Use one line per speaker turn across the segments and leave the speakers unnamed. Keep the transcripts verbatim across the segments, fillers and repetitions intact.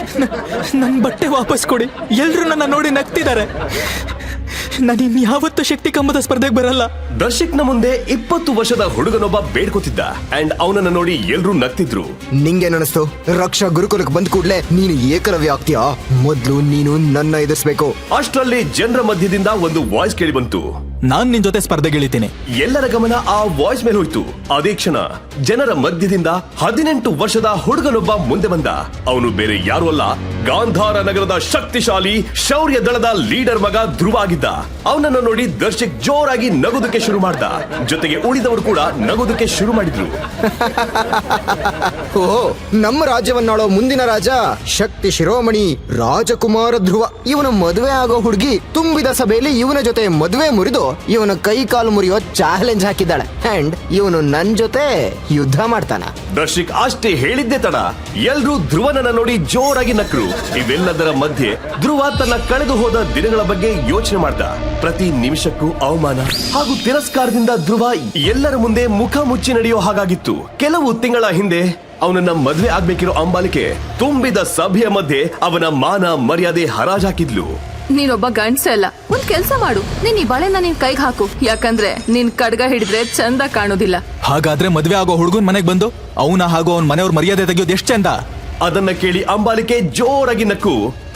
ನನ್ನ ಬಟ್ಟೆ ವಾಪಸ್ ಕೊಡಿ. ಎಲ್ರು ನನ್ನ ನೋಡಿ ನಗ್ತಿದ್ದಾರೆ. ನಾನು ಇನ್ಯಾವತ್ತೂ ಶಕ್ತಿ ಕಂಬದ ಸ್ಪರ್ಧೆಗೆ ಬರಲ್ಲ.
ದರ್ಶಕ್ನ ಮುಂದೆ ಇಪ್ಪತ್ತು ವರ್ಷದ ಹುಡುಗನೊಬ್ಬ ಬೇಡ್ಕೋತಿದ್ದ ಅಂಡ್ ಅವನನ್ನ ನೋಡಿ ಎಲ್ರು ನಗ್ತಿದ್ರು.
ನಿಂಗೇನನಿಸ್ತು? ರಕ್ಷಾ ಗುರುಕುಲಕ್ಕೆ ಬಂದ ಕೂಡ್ಲೆ ನೀನು ಏಕಲವ್ಯ ಆಗ್ತೀಯಾ? ಮೊದ್ಲು ನೀನು ನನ್ನ ಎದುರಿಸ್ಬೇಕು.
ಅಷ್ಟರಲ್ಲಿ ಜನರ ಮಧ್ಯದಿಂದ ಒಂದು ವಾಯ್ಸ್ ಕೇಳಿ ಬಂತು.
ನಾನ್ ನಿನ್ ಜೊತೆ ಸ್ಪರ್ಧೆಗಿಳಿತೀನಿ.
ಎಲ್ಲರ ಗಮನ ಆ ವಾಯ್ಸ್ ಮೇಲೆ ಹೋಯ್ತು. ಅದೇ ಕ್ಷಣ ಜನರ ಮಧ್ಯದಿಂದ ಹದಿನೆಂಟು ವರ್ಷದ ಹುಡುಗನೊಬ್ಬ ಮುಂದೆ ಬಂದ. ಅವನು ಬೇರೆ ಯಾರು ಅಲ್ಲ, ಗಾಂಧಾರ ನಗರದ ಶಕ್ತಿಶಾಲಿ ಶೌರ್ಯ ದಳದ ಲೀಡರ್ ಮಗ ಧ್ರುವ ಆಗಿದ್ದ. ಅವನನ್ನು ನೋಡಿ ದರ್ಶಕ್ ಜೋರಾಗಿ ನಗೋದಕ್ಕೆ ಶುರು ಮಾಡ್ದ. ಜೊತೆಗೆ ಉಳಿದವರು ಕೂಡ ನಗೋದಕ್ಕೆ ಶುರು ಮಾಡಿದ್ರು.
ಓ, ನಮ್ಮ ರಾಜ್ಯವನ್ನಾಳೋ ಮುಂದಿನ ರಾಜ ಶಕ್ತಿ ಶಿರೋಮಣಿ ರಾಜಕುಮಾರ ಧ್ರುವ. ಇವನ ಮದುವೆ ಆಗೋ ಹುಡುಗಿ ತುಂಬಿದ ಸಭೆಯಲ್ಲಿ ಇವನ ಜೊತೆ ಮದುವೆ ಮುರಿದು ಇವನ ಕೈ ಕಾಲು ಮುರಿಯೋ ಚಾಲೆಂಜ್ ಹಾಕಿದ್ದಾಳೆ. ಅಂಡ್ ಇವನು ನನ್ ಜೊತೆ ಯುದ್ಧ ಮಾಡ್ತಾನ.
ದರ್ಶಕ್ ಅಷ್ಟೇ ಹೇಳಿದ್ದೆ ತಡ ಎಲ್ರೂ ಧ್ರುವನನ್ನ ನೋಡಿ ಜೋರಾಗಿ ನಕ್ರು. ಇವೆಲ್ಲದರ ಮಧ್ಯೆ ಧ್ರುವ ತನ್ನ ಕಳೆದು ಹೋದ ದಿನಗಳ ಬಗ್ಗೆ ಯೋಚನೆ ಮಾಡ್ದ. ಪ್ರತಿ ನಿಮಿಷಕ್ಕೂ ಅವಮಾನ ಹಾಗೂ ತಿರಸ್ಕಾರದಿಂದ ಧ್ರುವ ಎಲ್ಲರ ಮುಂದೆ ಮುಖ ಮುಚ್ಚಿ ನಡೆಯೋ ಹಾಗಾಗಿತ್ತು. ಕೆಲವು ತಿಂಗಳ ಹಿಂದೆ ಅವನನ್ನ ಮದ್ವೆ ಆಗ್ಬೇಕಿರೋ ಅಂಬಾಲಿಕೆ ತುಂಬಿದ ಸಭೆಯ ಮಧ್ಯೆ ಅವನ ಮಾನ ಮರ್ಯಾದೆ ಹರಾಜಾಕಿದ್ಲು.
ನೀನೊಬ್ಬ ಗಂಡ್ಸ ಅಲ್ಲ, ಒಂದ್ ಕೆಲ್ಸ ಮಾಡು. ನೀನ್ ಈ ಬಳೆನ ನಿನ್ ಕೈಗೆ ಹಾಕು, ಯಾಕಂದ್ರೆ ನಿನ್ ಕಡ್ಗ ಹಿಡಿದ್ರೆ ಚಂದ ಕಾಣೋದಿಲ್ಲ.
ಹಾಗಾದ್ರೆ ಮದ್ವೆ ಆಗೋ ಹುಡುಗನ್ ಮನೆಗ್ ಬಂದು ಅವನ ಹಾಗೂ ಅವನ್ ಮನೆಯವ್ರ ಮರ್ಯಾದೆ ತೆಗೆಯೋದು ಎಷ್ಟ್ ಚಂದ.
ಅದನ್ನ ಕೇಳಿ ಅಂಬಾಲಿಕೆ ಜೋರಾಗಿ ನಕ್ಕು.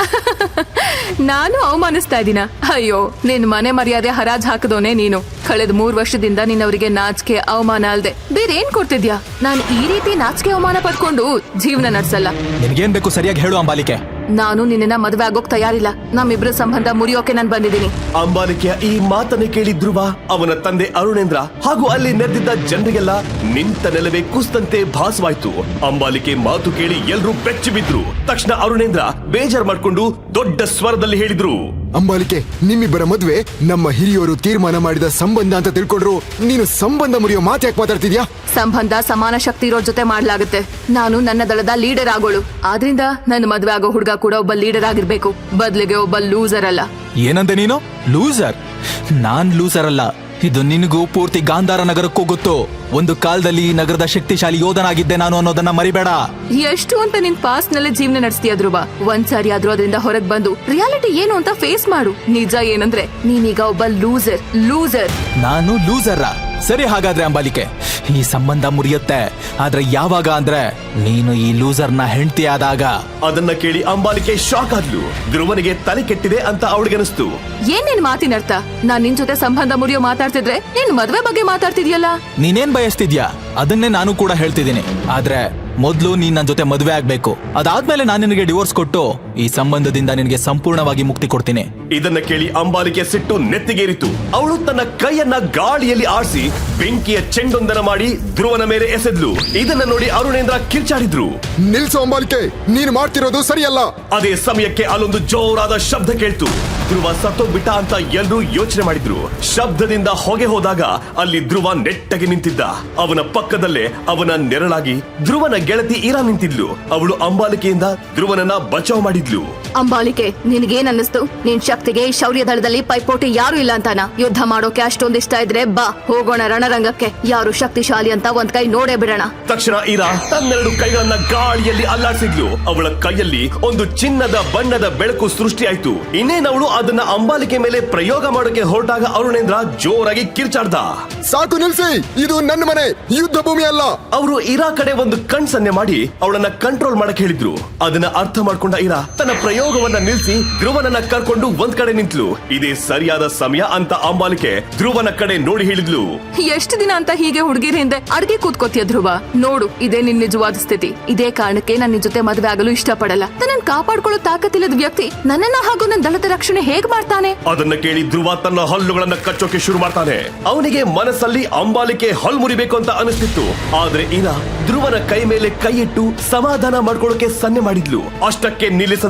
ನಾನು ಅವಮಾನಿಸ್ತಾ ಇದ್ದೀನ? ಅಯ್ಯೋ, ನಿನ್ ಮನೆ ಮರ್ಯಾದೆ ಹರಾಜ್ ಹಾಕದೋನೆ ನೀನು. ಕಳೆದ ಮೂರ್ ವರ್ಷದಿಂದ ನಿನ್ನವರಿಗೆ ನಾಚಿಕೆ ಅವಮಾನ ಅಲ್ದೆ ಬೇರೆ ಏನ್ ಕೊಡ್ತಿದ್ಯಾ? ನಾನು ಈ ರೀತಿ ನಾಚಿಕೆ ಅವಮಾನ ಪಡ್ಕೊಂಡು ಜೀವನ ನಡ್ಸಲ್ಲ.
ನಿನ್ಗೇನ್ ಬೇಕು ಸರಿಯಾಗಿ ಹೇಳು ಅಂಬಾಲಿಕೆ.
ನಾನು ನಿನ್ನ ಮದ್ವೆ ಆಗೋಕ್ ತಯಾರಿಲ್ಲ. ನಮ್ಮಿಬ್ರ ಸಂಬಂಧ ಮುರಿಯೋಕೆ ನಾನ್ ಬಂದಿದ್ದೀನಿ.
ಅಂಬಾಲಿಕೆಯ ಈ ಮಾತನ್ನ ಕೇಳಿ ಧ್ರುವ, ಅವನ ತಂದೆ ಅರುಣೇಂದ್ರ ಹಾಗೂ ಅಲ್ಲಿ ನೆರೆದಿದ್ದ ಜನರಿಗೆಲ್ಲ ನಿಂತ ನೆಲವೇ ಕುಸ್ತಂತೆ ಭಾಸವಾಯ್ತು. ಅಂಬಾಲಿಕೆ ಮಾತು ಕೇಳಿ ಎಲ್ರೂ ಬೆಚ್ಚಿ ಬಿದ್ರು. ತಕ್ಷಣ ಅರುಣೇಂದ್ರ ಬೇಜಾರ್ ಮಾಡ್ಕೊಂಡು ದೊಡ್ಡ ಸ್ವರದಲ್ಲಿ ಹೇಳಿದ್ರು,
ಅಂಬಾಲಿಕೆ, ನಿಮ್ಮಿಬ್ಬರ ಮದ್ವೆ ನಮ್ಮ ಹಿರಿಯರು ತೀರ್ಮಾನ ಮಾಡಿದ ಸಂಬಂಧ ಅಂತ ತಿಳ್ಕೊಂಡ್ರು. ನೀನು ಸಂಬಂಧ ಮುರಿಯೋ ಮಾತು ಯಾಕೆ ಮಾತಾಡ್ತಿದ್ಯಾ?
ಸಂಬಂಧ ಸಮಾನ ಶಕ್ತಿ ಇರೋ ಜೊತೆ ಮಾಡ್ಲಾಗುತ್ತೆ. ನಾನು ನನ್ನ ದಳದ ಲೀಡರ್ ಆಗೋಳು, ಆದ್ರಿಂದ ನನ್ನ ಮದ್ವೆ ಆಗೋ ಹುಡುಗ ಕೂಡ ಒಬ್ಬ ಲೀಡರ್ ಆಗಿರ್ಬೇಕು, ಬದ್ಲಿಗೆ ಒಬ್ಬ ಲೂಸರ್ ಅಲ್ಲ.
ಏನಂದೆ ನೀನು? ಲೂಸರ್? ನಾನ್ ಲೂಸರ್ ಅಲ್ಲ. ಇದು ನಿನಗೂ ಪೂರ್ತಿ ಗಾಂಧಾರ ನಗರಕ್ಕೂ ಗೊತ್ತು. ಒಂದು ಕಾಲದಲ್ಲಿ ಈ ನಗರದ ಶಕ್ತಿಶಾಲಿ ಯೋಧನಾಗಿದ್ದೆ ನಾನು ಅನ್ನೋದನ್ನ ಮರಿಬೇಡ.
ಎಷ್ಟು ಅಂತ ನಿನ್ ಪಾಸ್ಟ್ ನಲ್ಲಿ ಜೀವನ ನಡೆಸ್ತೀಯ ಧ್ರುವ? ಒಂದ್ಸಾರಿ ಆದ್ರೂ ಅದರಿಂದ ಹೊರಗ್ ಬಂದು ರಿಯಾಲಿಟಿ ಏನು ಅಂತ ಫೇಸ್ ಮಾಡು. ನಿಜ ಏನಂದ್ರೆ ನೀನೀಗ ಒಬ್ಬ ಲೂಸರ್. ಲೂಸರ್
ನಾನು ಲೂಸರ? ಸರಿ, ಹಾಗಾದ್ರೆ ಅಂಬಾಲಿಕೆ, ಈ ಸಂಬಂಧ ಮುರಿಯುತ್ತೆ. ಆದ್ರೆ ಯಾವಾಗ ಅಂದ್ರೆ ನೀನು ಈ ಲೂಸರ್ನ ಹೆಂಡತಿ ಆದಾಗ.
ಅದನ್ನ ಕೇಳಿ ಅಂಬಾಲಿಕೆ ಶಾಕ್ ಆದ್ಲು. ಧ್ರುವನಿಗೆ ತಲೆ ಕೆಟ್ಟಿದೆ ಅಂತ ಅವಳಿಗೆ ಅನಿಸ್ತು.
ಏನ್ ನಿನ್ ಮಾತಿನರ್ಥ? ನಾನ್ ನಿನ್ ಜೊತೆ ಸಂಬಂಧ ಮುರಿಯೋ ಮಾತಾಡ್ತಿದ್ರೆ ನಿನ್ ಮದ್ವೆ ಬಗ್ಗೆ ಮಾತಾಡ್ತಿದ್ಯಲ್ಲ.
ನೀನೇನ್ ಬಯಸ್ತಿದ್ಯಾ ಅದನ್ನೇ ನಾನು ಕೂಡ ಹೇಳ್ತಿದ್ದೀನಿ. ಆದ್ರೆ ಮೊದ್ಲು ನೀನ್ ನನ್ನ ಜೊತೆ ಮದುವೆ ಆಗ್ಬೇಕು. ಅದಾದ್ಮೇಲೆ ನಾನು ನಿನಗೆ ಡಿವೋರ್ಸ್ ಕೊಟ್ಟು ಈ ಸಂಬಂಧದಿಂದ ನಿನಗೆ ಸಂಪೂರ್ಣವಾಗಿ ಮುಕ್ತಿ ಕೊಡ್ತೀನಿ.
ಇದನ್ನ ಕೇಳಿ ಅಂಬಾಲಿಕೆ ಸಿಟ್ಟು ನೆತ್ತಿಗೇರಿತು. ಅವಳು ತನ್ನ ಕೈಯನ್ನ ಗಾಳಿಯಲ್ಲಿ ಆಡಿಸಿ ಬೆಂಕಿಯ ಚೆಂಡೊಂದನ ಮಾಡಿ ಧ್ರುವನ ಮೇಲೆ ಎಸೆದ್ಲು. ಇದನ್ನ ನೋಡಿ ಅರುಣೇಂದ್ರ ಕಿರ್ಚಾಡಿದ್ರು.
ನಿಲ್ಸು ಅಂಬಾಲಿಕೆ, ನೀನು ಮಾಡ್ತಿರೋದು ಸರಿಯಲ್ಲ.
ಅದೇ ಸಮಯಕ್ಕೆ ಅಲ್ಲೊಂದು ಜೋರಾದ ಶಬ್ದ ಕೇಳ್ತು. ಧ್ರುವ ಸತ್ತೋಗ್ಬಿಟ್ಟ ಅಂತ ಎಲ್ರೂ ಯೋಚನೆ ಮಾಡಿದ್ರು. ಶಬ್ದದಿಂದ ಹೊಗೆ ಹೋದಾಗ ಅಲ್ಲಿ ಧ್ರುವ ನೆಟ್ಟಗೆ ನಿಂತಿದ್ದ. ಅವನ ಪಕ್ಕದಲ್ಲೇ ಅವನ ನೆರಳಾಗಿ ಧ್ರುವನ ಗೆಳತಿ ಇರಾ ನಿಂತಿದ್ಲು. ಅವಳು ಅಂಬಾಲಿಕೆಯಿಂದ ಧ್ರುವನನ್ನ ಬಚಾವ್ ಮಾಡಿದ್ಲು.
ಅಂಬಾಲಿಕೆ, ನಿನ್ಗೇನ್ ಅನ್ನಿಸ್ತು? ನಿನ್ ಶಕ್ತಿಗೆ ಈ ಶೌರ್ಯ ದಳದಲ್ಲಿ ಪೈಪೋಟಿ ಯಾರು ಇಲ್ಲ ಅಂತಾನ? ಯುದ್ಧ ಮಾಡೋಕೆ ಅಷ್ಟೊಂದ್ ಇಷ್ಟ ಇದ್ರೆ ಬಾ, ಹೋಗೋಣ ರಣರಂಗಕ್ಕೆ. ಯಾರು ಶಕ್ತಿಶಾಲಿ ಅಂತ ಒಂದ್ ಕೈ ನೋಡೇ ಬಿಡೋಣ.
ತಕ್ಷಣ ಇರಾ ತನ್ನೆರಡು ಕೈಗಳನ್ನ ಗಾಳಿಯಲ್ಲಿ ಅಲ್ಲಾಡಿಸಿದ್ಲು. ಅವಳ ಕೈಯಲ್ಲಿ ಒಂದು ಚಿನ್ನದ ಬಣ್ಣದ ಬೆಳಕು ಸೃಷ್ಟಿಯಾಯ್ತು. ಇನ್ನೇನವಳು ಅದನ್ನ ಅಂಬಾಲಿಕೆ ಮೇಲೆ ಪ್ರಯೋಗ ಮಾಡೋಕೆ ಹೊರಟಾಗ ಅರುಣೇಂದ್ರ ಜೋರಾಗಿ ಕಿರ್ಚಾಡ್ದ.
ಸಾಕು, ನಿಲ್ಸಿ, ಇದು ನನ್ನ ಮನೆ, ಯುದ್ಧ ಭೂಮಿ ಅಲ್ಲ.
ಅವರು ಇರಾ ಕಡೆ ಒಂದು ಕಣ್ ಸನ್ನೆ ಮಾಡಿ ಅವಳನ್ನ ಕಂಟ್ರೋಲ್ ಮಾಡಕ್ ಹೇಳಿದ್ರು. ಅದನ್ನ ಅರ್ಥ ಮಾಡ್ಕೊಂಡ ಇರಾ ತನ್ನ ಪ್ರಯೋಗವನ್ನ ನಿಲ್ಸಿ ಧ್ರುವನನ್ನ ಕರ್ಕೊಂಡು ಒಂದ್ ಕಡೆ ನಿಂತ್ಲು. ಇದೇ ಸರಿಯಾದ ಸಮಯ ಅಂತ ಅಂಬಾಲಿಕೆ ಧ್ರುವನ ಕಡೆ ನೋಡಿ ಹೇಳಿದ್ಲು.
ಎಷ್ಟು ದಿನ ಅಂತ ಹೀಗೆ ಹುಡುಗಿರ ಹಿಂದೆ ಅಡ್ಗೆ ಕೂತ್ಕೋತಿಯ ಧ್ರುವ? ನೋಡು, ಇದೇ ನಿನ್ ನಿಜವಾದ ಸ್ಥಿತಿ. ಇದೇ ಕಾರಣಕ್ಕೆ ನನ್ನ ಜೊತೆ ಮದುವೆ ಆಗಲು ಇಷ್ಟಪಡಲ್ಲ. ನನ್ನ ಕಾಪಾಡ್ಕೊಳ್ಳೋ ತಾಕತ್ತಿಲ್ಲದ ವ್ಯಕ್ತಿ ನನ್ನನ್ನ ಹಾಗೂ ನನ್ನ ದಳದ ರಕ್ಷಣೆ ಹೇಗ್ ಮಾಡ್ತಾನೆ?
ಅದನ್ನ ಕೇಳಿ ಧ್ರುವ ತನ್ನ ಹಲ್ಲುಗಳನ್ನ ಕಚ್ಚೋಕೆ ಶುರು ಮಾಡ್ತಾನೆ. ಅವನಿಗೆ ಮನಸ್ಸಲ್ಲಿ ಅಂಬಾಲಿಕೆ ಹಲ್ಲು ಮುರಿಬೇಕು ಅಂತ ಅನಿಸ್ತಿತ್ತು. ಆದ್ರೆ ಇರಾ ಧ್ರುವನ ಕೈ ಮೇಲೆ ಕೈ ಇಟ್ಟು ಸಮಾಧಾನ ಮಾಡ್ಕೊಳ್ಳೋಕೆ ಸನ್ನೆ ಮಾಡಿದ್ಲು. ಅಷ್ಟಕ್ಕೆ ನಿಲ್ಲಿಸದ ಅಂಬಾಲಿಕೆ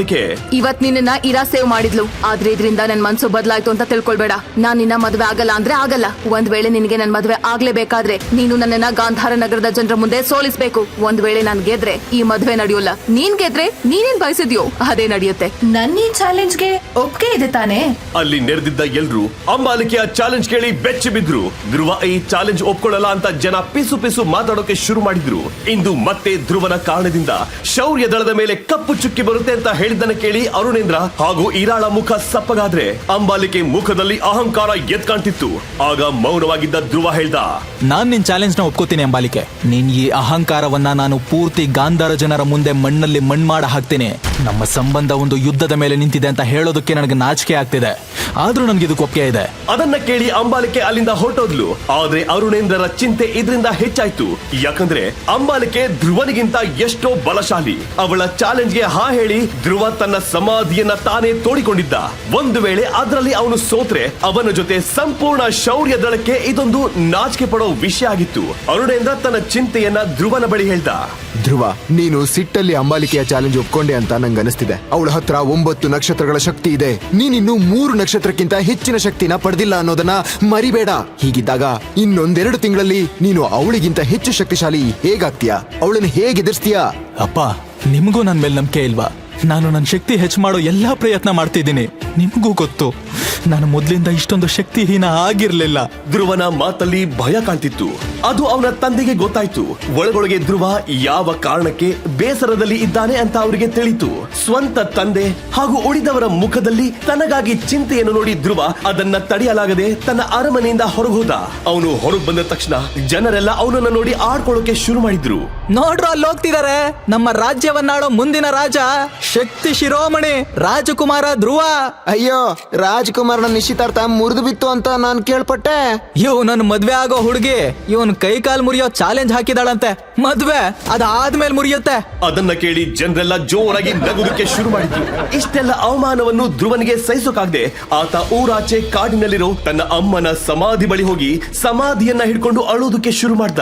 ಅಂಬಾಲಿಕೆ.
ಇವತ್ ನಿನ್ನ ಇರಾ ಸೇವ್ ಮಾಡಿದ್ಲು, ಆದ್ರೆ ಇದರಿಂದ ನನ್ ಮನ್ಸು ಬದಲಾಯ್ತು ಅಂತ ತಿಳ್ಕೊಳ್ಬೇಡ. ನಾನ್ ನಿನ್ನ ಮದ್ವೆ ಆಗಲ್ಲ ಅಂದ್ರೆ ಆಗಲ್ಲ. ಒಂದ್ ವೇಳೆ ನಿನಗೆ ನನ್ ಮದ್ವೆ ಆಗ್ಲೇಬೇಕಾದ್ರೆ ನೀನು ನನ್ನನ್ನ ಗಾಂಧಾರ ನಗರದ ಜನರ ಮುಂದೆ ಸೋಲಿಸ್ಬೇಕು. ಒಂದ್ ವೇಳೆ ನಾನ್ ಗೆದ್ರೆ ಈ ಮದ್ವೆ ನಡೆಯೋಲ್ಲ. ನೀನ್ ಗೆದ್ರೆ ನೀನೇನ್ ಬಯಸಿದ್ಯೋ ಅದೇ ನಡೆಯುತ್ತೆ.
ನನ್ನ ಈ ಚಾಲೆಂಜ್ಗೆ ಒಪ್ಪಿಗೆ ಇದೆ ತಾನೇ?
ಅಲ್ಲಿ ನೆರೆದಿದ್ದ ಎಲ್ರು ಅಂಬಾಲಿಕೆಯ ಚಾಲೆಂಜ್ ಕೇಳಿ ಬೆಚ್ಚಿ ಬಿದ್ರು. ಧ್ರುವ ಈ ಚಾಲೆಂಜ್ ಒಪ್ಕೊಳ್ಳಲ್ಲ ಅಂತ ಜನ ಪಿಸು ಪಿಸು ಮಾತಾಡೋಕೆ ಶುರು ಮಾಡಿದ್ರು. ಇಂದು ಮತ್ತೆ ಧ್ರುವನ ಕಾರಣದಿಂದ ಶೌರ್ಯ ದಳದ ಮೇಲೆ ಕಪ್ಪು ಚುಕ್ಕಿ ಬರುತ್ತೆ ಅಂತ ಹೇಳಿದ್ದನ್ನ ಕೇಳಿ ಅರುಣೇಂದ್ರ ಹಾಗೂ ಇರಾಳ ಮುಖ ಸಪ್ಪಗಾದ್ರೆ ಅಂಬಾಲಿಕೆ ಮುಖದಲ್ಲಿ ಅಹಂಕಾರ ಎದ್ ಕಾಣ್ತಿತ್ತು. ಆಗ ಮೌನವಾಗಿದ್ದ ಧ್ರುವ ಹೇಳ್ದ,
ನಾನ್ ನಿನ್ ಚಾಲೆಂಜ್ ನ ಒಪ್ಕೋತೀನಿ ಅಂಬಾಲಿಕೆ. ನಿನ್ ಈ ಅಹಂಕಾರವನ್ನ ನಾನು ಪೂರ್ತಿ ಗಾಂಧಾರ ಜನರ ಮುಂದೆ ಮಣ್ಣಲ್ಲಿ ಮಣ್ಣು ಮಾಡ ಹಾಕ್ತೀನಿ. ನಮ್ಮ ಸಂಬಂಧ ಒಂದು ಯುದ್ಧದ ಮೇಲೆ ನಿಂತಿದೆ ಅಂತ ಹೇಳೋದಕ್ಕೆ ನನಗೆ ನಾಚಿಕೆ ಆಗ್ತಿದೆ, ಆದ್ರೂ ನನ್ಗೆ ಇದಕ್ಕೆ ಒಪ್ಪಿಗೆ ಇದೆ.
ಅದನ್ನ ಕೇಳಿ ಅಂಬಾಲಿಕೆ ಅಲ್ಲಿಂದ ಹೊರಟೋದ್ಲು. ಆದ್ರೆ ಅರುಣೇಂದ್ರರ ಚಿಂತೆ ಇದರಿಂದ ಹೆಚ್ಚಾಯ್ತು. ಯಾಕಂದ್ರೆ ಅಂಬಾಲಿಕೆ ಧ್ರುವನಿಗಿಂತ ಎಷ್ಟೋ ಬಲಶಾಲಿ. ಅವಳ ಚಾಲೆಂಜ್ಗೆ ಹಾ ಹೇಳಿ ಧ್ರುವ ತನ್ನ ಸಮಾಧಿಯನ್ನ ತಾನೇ ತೋಡಿಕೊಂಡಿದ್ದ. ಒಂದು ವೇಳೆ ಅದರಲ್ಲಿ ಅವನು ಸೋತ್ರೆ ಅವನ ಜೊತೆ ಸಂಪೂರ್ಣ ಶೌರ್ಯ ದಳಕ್ಕೆ ಇದೊಂದು ನಾಚಿಕೆ ಪಡೋ ವಿಷಯ ಆಗಿತ್ತು. ಅರುಣೇಂದ್ರ ತನ್ನ ಚಿಂತೆಯನ್ನ ಧ್ರುವನ ಬಳಿ ಹೇಳ್ದ.
ಧ್ರುವ, ನೀನು ಸಿಟ್ಟಲ್ಲಿ ಅಂಬಾಲಿಕೆಯ ಚಾಲೆಂಜ್ ಒಪ್ಕೊಂಡೆ ಅಂತ ನಂಗೆ ಅನಿಸ್ತಿದೆ. ಅವಳ ಹತ್ರ ಒಂಬತ್ತು ನಕ್ಷತ್ರಗಳ ಶಕ್ತಿ ಇದೆ, ನೀನಿನ್ನು ಮೂರು ನಕ್ಷತ್ರಕ್ಕಿಂತ ಹೆಚ್ಚಿನ ಶಕ್ತಿನ ಪಡೆದಿಲ್ಲ ಅನ್ನೋದನ್ನ ಮರಿಬೇಡ. ಹೀಗಿದ್ದಾಗ ಇನ್ನೊಂದೆರಡು ತಿಂಗಳಲ್ಲಿ ನೀನು ಅವಳಿಗಿಂತ ಹೆಚ್ಚು ಶಕ್ತಿಶಾಲಿ ಹೇಗಾಗ್ತೀಯಾ? ಅವಳನ್ನು ಹೇಗೆ ಎದುರಿಸ್ತೀಯಾ?
ಅಪ್ಪ, ನಿಮಗೂ ನನ್ ಮೇಲೆ ನಂಬಿಕೆ ಇಲ್ವಾ? ನಾನು ನನ್ನ ಶಕ್ತಿ ಹೆಚ್ಚು ಮಾಡೋ ಎಲ್ಲಾ ಪ್ರಯತ್ನ ಮಾಡ್ತಿದ್ದೀನಿ. ನಿಮಗೂ ಗೊತ್ತು, ನಾನು ಮೊದ್ಲಿಂದ ಇಷ್ಟೊಂದು ಶಕ್ತಿಹೀನ ಆಗಿರ್ಲಿಲ್ಲ.
ಧ್ರುವನ ಮಾತಲ್ಲಿ ಭಯ ಕಾಣ್ತಿತ್ತು. ಅದು ಅವನ ತಂದೆಗೆ ಗೊತ್ತಾಯ್ತು. ಒಳಗೊಳಗೆ ಧ್ರುವ ಯಾವ ಕಾರಣಕ್ಕೆ ಬೇಸರದಲ್ಲಿ ಇದ್ದಾನೆ ಅಂತ ಅವರಿಗೆ ತಿಳಿತು. ಸ್ವಂತ ತಂದೆ ಹಾಗೂ ಉಳಿದವರ ಮುಖದಲ್ಲಿ ತನಗಾಗಿ ಚಿಂತೆಯನ್ನು ನೋಡಿ ಧ್ರುವ ಅದನ್ನ ತಡೆಯಲಾಗದೆ ತನ್ನ ಅರಮನೆಯಿಂದ ಹೊರಗೋದ. ಅವನು ಹೊರಗೆ ಬಂದ ತಕ್ಷಣ ಜನರೆಲ್ಲ ಅವನನ್ನ ನೋಡಿ ಆಡ್ಕೊಳ್ಳೋಕೆ ಶುರು ಮಾಡಿದ್ರು.
ನೋಡ್ರು, ಅಲ್ಲಿ ಹೋಗ್ತಿದಾರೆ ನಮ್ಮ ರಾಜ್ಯವನ್ನಾಡೋ ಮುಂದಿನ ರಾಜ, ಶಕ್ತಿ ಶಿರೋಮಣಿ ರಾಜಕುಮಾರ ಧ್ರುವ.
ಅಯ್ಯೋ, ರಾಜ್ಕುಮಾರನ ನಿಶ್ಚಿತಾರ್ಥ ಮುರಿದು ಬಿತ್ತು ಅಂತ ನಾನು ಕೇಳ್ಪಟ್ಟೆ.
ಇವ್ ನನ್ ಮದ್ವೆ ಆಗೋ ಹುಡುಗಿ ಇವನ್ ಕೈ ಕಾಲ್ ಮುರಿಯೋ ಚಾಲೆಂಜ್ ಹಾಕಿದಾಳಂತೆ. ಮದ್ವೆ ಅದಾದ್ಮೇಲೆ ಮುರಿಯುತ್ತೆ.
ಅದನ್ನ ಕೇಳಿ ಜನರೆಲ್ಲ ಜೋರಾಗಿ ನಗುದಕ್ಕೆ ಶುರು ಮಾಡಿದ್ರು. ಇಷ್ಟೆಲ್ಲ ಅವಮಾನವನ್ನು ಧ್ರುವನಿಗೆ ಸಹಿಸೋಕಾಗದೆ ಆತ ಊರಾಚೆ ಕಾಡಿನಲ್ಲಿರೋ ತನ್ನ ಅಮ್ಮನ ಸಮಾಧಿ ಬಳಿ ಹೋಗಿ ಸಮಾಧಿಯನ್ನ ಹಿಡ್ಕೊಂಡು ಅಳೋದಕ್ಕೆ ಶುರು ಮಾಡ್ದ.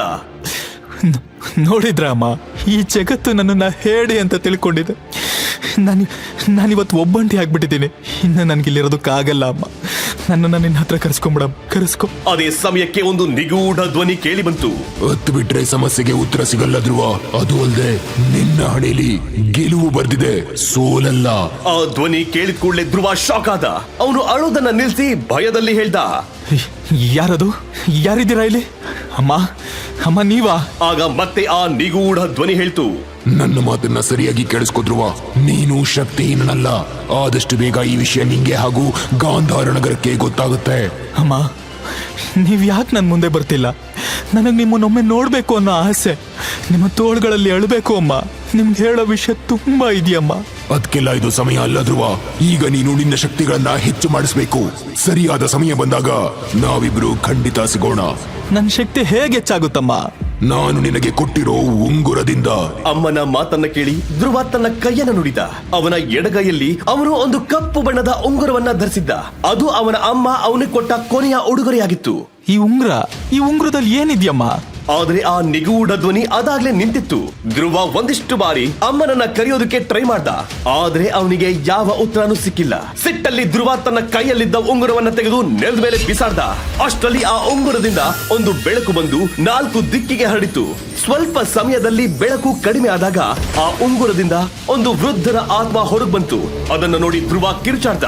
ನೋಡಿದ್ರ ಅಮ್ಮ, ಈ ಜಗತ್ತು ನನ್ನನ್ನ ಹೇಳಿ ಅಂತ ತಿಳ್ಕೊಂಡಿದೆ. ನಾನು ನಾನಿವತ್ತು ಒಬ್ಬಂಟಿ ಆಗ್ಬಿಟ್ಟಿದ್ದೀನಿ. ಇನ್ನು ನನ್ಗಿಲ್ಲಿರೋದಕ್ಕಾಗಲ್ಲ ಅಮ್ಮ. ನನ್ನನ್ನ ನಿನ್ನ ಹತ್ರ ಕರೆಸ್ಕೊಂಬಿಡ, ಕರೆಸ್ಕೊ.
ಅದೇ ಸಮಯಕ್ಕೆ ಒಂದು ನಿಗೂಢ ಧ್ವನಿ ಕೇಳಿ ಬಂತು.
ಹತ್ತು ಬಿಟ್ರೆ ಸಮಸ್ಯೆಗೆ ಉತ್ತರ ಸಿಗಲ್ಲ ಧ್ರುವ. ಅದು ಅಲ್ಲದೆ ನಿನ್ನ ಹಣೆಯಲ್ಲಿ ಗೆಲುವು ಬರ್ದಿದೆ, ಸೋಲಲ್ಲ.
ಆ ಧ್ವನಿ ಕೇಳಿದ ಕೂಡಲೇ ಧ್ರುವ ಶಾಕ್ ಆದ. ಅವನು ಅಳೋದನ್ನ ನಿಲ್ಸಿ ಭಯದಲ್ಲಿ ಹೇಳ್ದ,
ಯಾರದು? ಯಾರಿದ್ದೀರಾ ಇಲ್ಲಿ? ಅಮ್ಮ, ಅಮ್ಮ ನೀವಾ?
ಆಗ ಮತ್ತೆ ಆ ನಿಗೂಢ ಧ್ವನಿ ಹೇಳ್ತು,
ನನ್ನ ಮಾತನ್ನ ಸರಿಯಾಗಿ ಕೇಳಿಸ್ಕೊ ಧ್ರುವ. ನೀನು ಶಕ್ತಿಹೀನನಲ್ಲ. ಆದಷ್ಟು ಬೇಗ ಈ ವಿಷಯ ನಿಂಗೆ ಹಾಗೂ ಗಾಂಧಾರ ನಗರಕ್ಕೆ ಗೊತ್ತಾಗುತ್ತೆ.
ಅಮ್ಮ, ನೀವ್ ಯಾಕೆ ನನ್ ಮುಂದೆ ಬರ್ತಿಲ್ಲ? ನನಗ್ ನಿಮ್ಮನ್ನೊಮ್ಮೆ ನೋಡ್ಬೇಕು ಅನ್ನೋ ಆಸೆ. ನಿಮ್ಮ ತೋಳ್ಗಳಲ್ಲಿ ಅಳ್ಬೇಕು ಅಮ್ಮ. ನಿಮ್ಗೆ ಹೇಳೋ ವಿಷಯ ತುಂಬಾ ಇದೆಯಮ್ಮ.
ಅದಕ್ಕೆಲ್ಲ ಇದು ಸಮಯ ಅಲ್ಲ ಧ್ರುವ. ಈಗ ನೀನು ನಿನ್ನ ಶಕ್ತಿಗಳನ್ನ ಹೆಚ್ಚು ಮಾಡಿಸ್ಬೇಕು. ಸರಿಯಾದ ಸಮಯ ಬಂದಾಗ ನಾವಿಬ್ರು ಖಂಡಿತ ಸಿಗೋಣ.
ನನ್ನ ಶಕ್ತಿ ಹೇಗೆ ಹೆಚ್ಚಾಗುತ್ತಮ್ಮ?
ನಾನು ನಿನಗೆ ಕೊಟ್ಟಿರೋ ಉಂಗುರದಿಂದ.
ಅಮ್ಮನ ಮಾತನ್ನ ಕೇಳಿ ಧ್ರುವ ತನ್ನ ಕೈಯನ್ನು ನುಡಿದ. ಅವನ ಎಡಗೈಯಲ್ಲಿ ಅವನು ಒಂದು ಕಪ್ಪು ಬಣ್ಣದ ಉಂಗುರವನ್ನ ಧರಿಸಿದ್ದ. ಅದು ಅವನ ಅಮ್ಮ ಅವನಿಗೆ ಕೊಟ್ಟ ಕೊನೆಯ ಉಡುಗೊರೆಯಾಗಿತ್ತು.
ಈ ಉಂಗ್ರ ಈ ಉಂಗ್ರದಲ್ಲಿ ಏನಿದ್ಯಮ್ಮ?
ಆದ್ರೆ ಆ ನಿಗೂಢ ಧ್ವನಿ ಅದಾಗ್ಲೇ ನಿಂತಿತ್ತು. ಧ್ರುವ ಒಂದಿಷ್ಟು ಬಾರಿ ಅಮ್ಮನನ್ನ ಕರೆಯೋದಕ್ಕೆ ಟ್ರೈ ಮಾಡ್ದ, ಆದ್ರೆ ಅವನಿಗೆ ಯಾವ ಉತ್ತರನೂ ಸಿಕ್ಕಿಲ್ಲ. ಸಿಟ್ಟಲ್ಲಿ ಧ್ರುವ ತನ್ನ ಕೈಯಲ್ಲಿದ್ದ ಉಂಗುರವನ್ನ ತೆಗೆದು ನೆಲದ ಮೇಲೆ ಬಿಸಾಡ್ದ. ಅಷ್ಟರಲ್ಲಿ ಆ ಉಂಗುರದಿಂದ ಒಂದು ಬೆಳಕು ಬಂದು ನಾಲ್ಕು ದಿಕ್ಕಿಗೆ ಹರಡಿತು. ಸ್ವಲ್ಪ ಸಮಯದಲ್ಲಿ ಬೆಳಕು ಕಡಿಮೆ ಆದಾಗ ಆ ಉಂಗುರದಿಂದ ಒಂದು ವೃದ್ಧರ ಆತ್ಮ ಹೊರಗೆ ಬಂತು. ಅದನ್ನ ನೋಡಿ ಧ್ರುವ ಕಿರುಚಾಡ್ದ.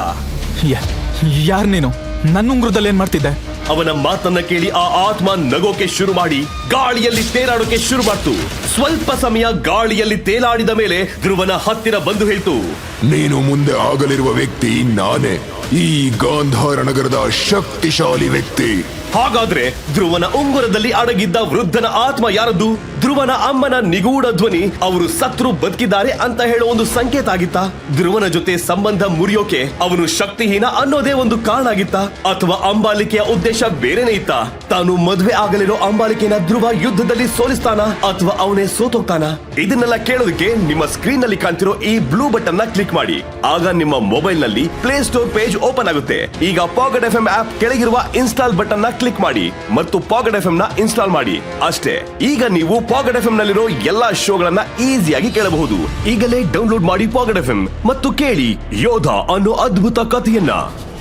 ಯಾರ್ ನೀನು? ನನ್ನ ಉಂಗುರದಲ್ಲಿ ಏನ್ ಮಾಡ್ತಿದ್ದೆ?
ಅವನ ಮಾತನ್ನ ಕೇಳಿ ಆ ಆತ್ಮ ನಗೋಕೆ ಶುರು ಮಾಡಿ ಗಾಳಿಯಲ್ಲಿ ತೇಲಾಡೋಕೆ ಶುರು ಮಾಡ್ತು. ಸ್ವಲ್ಪ ಸಮಯ ಗಾಳಿಯಲ್ಲಿ ತೇಲಾಡಿದ ಮೇಲೆ ಧ್ರುವನ ಹತ್ತಿರ ಬಂದು ಹೇಳ್ತು,
ನೀನು ಮುಂದೆ ಆಗಲಿರುವ ವ್ಯಕ್ತಿ ನಾನೇ, ಈ ಗಾಂಧಾರ ನಗರದ ಶಕ್ತಿಶಾಲಿ ವ್ಯಕ್ತಿ.
ಹಾಗಾದ್ರೆ ಧ್ರುವನ ಉಂಗುರದಲ್ಲಿ ಅಡಗಿದ್ದ ವೃದ್ಧನ ಆತ್ಮ ಯಾರದ್ದು? ಧ್ರುವನ ಅಮ್ಮನ ನಿಗೂಢ ಧ್ವನಿ ಅವರು ಸತ್ರು ಬದುಕಿದ್ದಾರೆ ಅಂತ ಹೇಳೋ ಒಂದು ಸಂಕೇತ ಆಗಿತ್ತ? ಧ್ರುವನ ಜೊತೆ ಸಂಬಂಧ ಮುರಿಯೋಕೆ ಅವನು ಶಕ್ತಿಹೀನ ಅನ್ನೋದೇ ಒಂದು ಕಾರಣ ಆಗಿತ್ತ? ಅಥವಾ ಅಂಬಾಲಿಕೆಯ ಉದ್ದೇಶ ಬೇರೆನೇ ಇತ್ತ? ತಾನು ಮದುವೆ ಆಗಲಿರೋ ಅಂಬಾಲಿಕೆನ ಧ್ರುವ ಯುದ್ಧದಲ್ಲಿ ಸೋಲಿಸ್ತಾನ ಅಥವಾ ಅವನೇ ತಾನೇ ಸೋತೋಗ್ತಾನ? ಇದನ್ನೆಲ್ಲ ಕೇಳೋದಕ್ಕೆ ನಿಮ್ಮ ಸ್ಕ್ರೀನ್ ನಲ್ಲಿ ಕಾಣ್ತಿರೋ ಈ ಬ್ಲೂ ಬಟನ್ ನ ಕ್ಲಿಕ್ ಮಾಡಿ. ಆಗ ನಿಮ್ಮ ಮೊಬೈಲ್ ನಲ್ಲಿ ಪ್ಲೇ ಸ್ಟೋರ್ ಪೇಜ್ ಓಪನ್ ಆಗುತ್ತೆ. ಈಗ ಪಾಕೆಟ್ ಎಫ್ ಎಂ ಆಪ್ ಕೆಳಗಿರುವ ಇನ್ಸ್ಟಾಲ್ ಬಟನ್ ನ ಕ್ಲಿಕ್ ಮಾಡಿ ಮತ್ತು ಪಾಕೆಟ್ ಎಫ್ ಎಂ ನ ಇನ್ಸ್ಟಾಲ್ ಮಾಡಿ. ಅಷ್ಟೇ, ಈಗ ನೀವು ಪಾಕೆಟ್ ಎಫ್ ಎಂ ನಲ್ಲಿರೋ ಎಲ್ಲಾ ಶೋಗಳನ್ನ ಈಸಿಯಾಗಿ ಕೇಳಬಹುದು. ಈಗಲೇ ಡೌನ್ಲೋಡ್ ಮಾಡಿ ಪಾಕೆಟ್ ಎಫ್ ಎಂ ಮತ್ತು ಕೇಳಿ ಯೋಧ ಅನ್ನೋ ಅದ್ಭುತ ಕಥೆಯನ್ನ.